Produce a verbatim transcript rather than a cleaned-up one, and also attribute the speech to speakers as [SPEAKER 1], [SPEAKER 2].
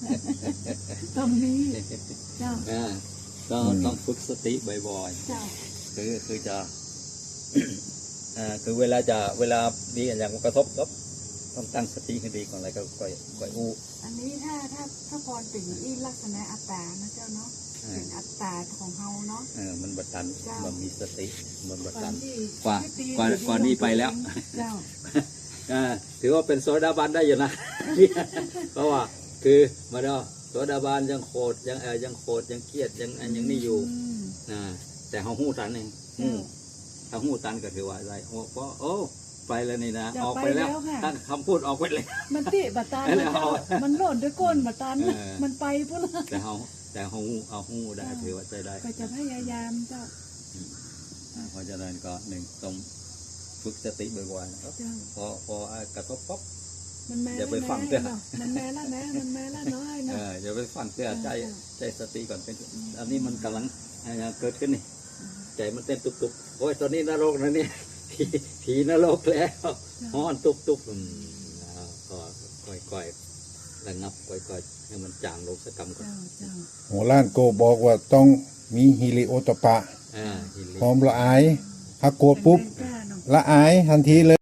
[SPEAKER 1] ตรงนี้เจ้า
[SPEAKER 2] อ่าก็ต้องฝึกสติบ่อย
[SPEAKER 1] เจ้า
[SPEAKER 2] ๆคือคือจะ อ่าคือเวลาจะเวลาดีอย่างกระทบก็ต้องตั้งสติให้ดีก่อนอะไรก็ก่อยก่อยอู้
[SPEAKER 1] อันนี้ถ้าถ้าถ้าพรเป็นอีลักษณะอัตตานะเจ้าเนาะเป็นอัตตาของเฮาเนาะ
[SPEAKER 2] เออมันบัดตันมันมีสติมันบัดตัน
[SPEAKER 1] ที่
[SPEAKER 2] กว่า
[SPEAKER 1] ที่
[SPEAKER 2] กว่า
[SPEAKER 1] ที่
[SPEAKER 2] กว่านี้ไปแล้ว
[SPEAKER 1] เจ้า
[SPEAKER 2] อ่าถือว่าเป็นโซดาบันได้อยู่นะ เพราะว่าคือมาเนาะโซดาบันยังโคตรยังเออยังโคตรยังเครียดยังอันยังนี่อยู่
[SPEAKER 1] ม
[SPEAKER 2] นะแต่เขาหู้ตันเองอืมถ้าหู้ตันก็ถือว่าอะไรโอ้ก็โอ้ไปแล้วนี่นะออกไปแล้วตั้งคำพูดออกไปเลย
[SPEAKER 1] มันติบัตตานนะเจ้ามันหล่นด้วยก้นบัตตานนะ
[SPEAKER 2] เออ
[SPEAKER 1] มันไปพุ่นละ
[SPEAKER 2] แต่เขาแต่เขาหู้เอาหู้ได้ถือว่าใจได้
[SPEAKER 1] ก็จะพยายามเจ้า
[SPEAKER 2] อ่าเพราะฉะนั้นก็หนึ่งต้องฝึกสติบ่อยๆนะครับ
[SPEAKER 1] เจ้า
[SPEAKER 2] พอพอกระทบป๊บ
[SPEAKER 1] มันแม่
[SPEAKER 2] อย่าไป
[SPEAKER 1] แล้ว
[SPEAKER 2] ฟัง
[SPEAKER 1] นะ
[SPEAKER 2] เด้อ
[SPEAKER 1] เนาะมันแม่แล้วนะมันแม่แล้วน้อย
[SPEAKER 2] เอ
[SPEAKER 1] เนาะ
[SPEAKER 2] ออย่าไปฟังเสียใจ
[SPEAKER 1] เออ
[SPEAKER 2] ใจสติก่อนเป็นอันนี้มันกำลังอ่าเกิดขึ้นนี่ใจมันเต้นตุบๆโอ้ยตอนนี้นรกนะเนี่ย ผีผีนรกแล้วฮ้อนตุบๆอืมอ่าก็ค่อยๆระงับค่อยๆให้มันจางลงสักกรรมก่อน
[SPEAKER 1] เจ้าเจ้า
[SPEAKER 3] หัวล้านโกบอกว่าต้องมีฮิริโอตปปะ
[SPEAKER 2] อ่าหิน
[SPEAKER 3] พร้อมละอายถ้าโกรธปุ๊บ
[SPEAKER 1] แม่กล้าเนาะ
[SPEAKER 3] ละอายทันทีเลย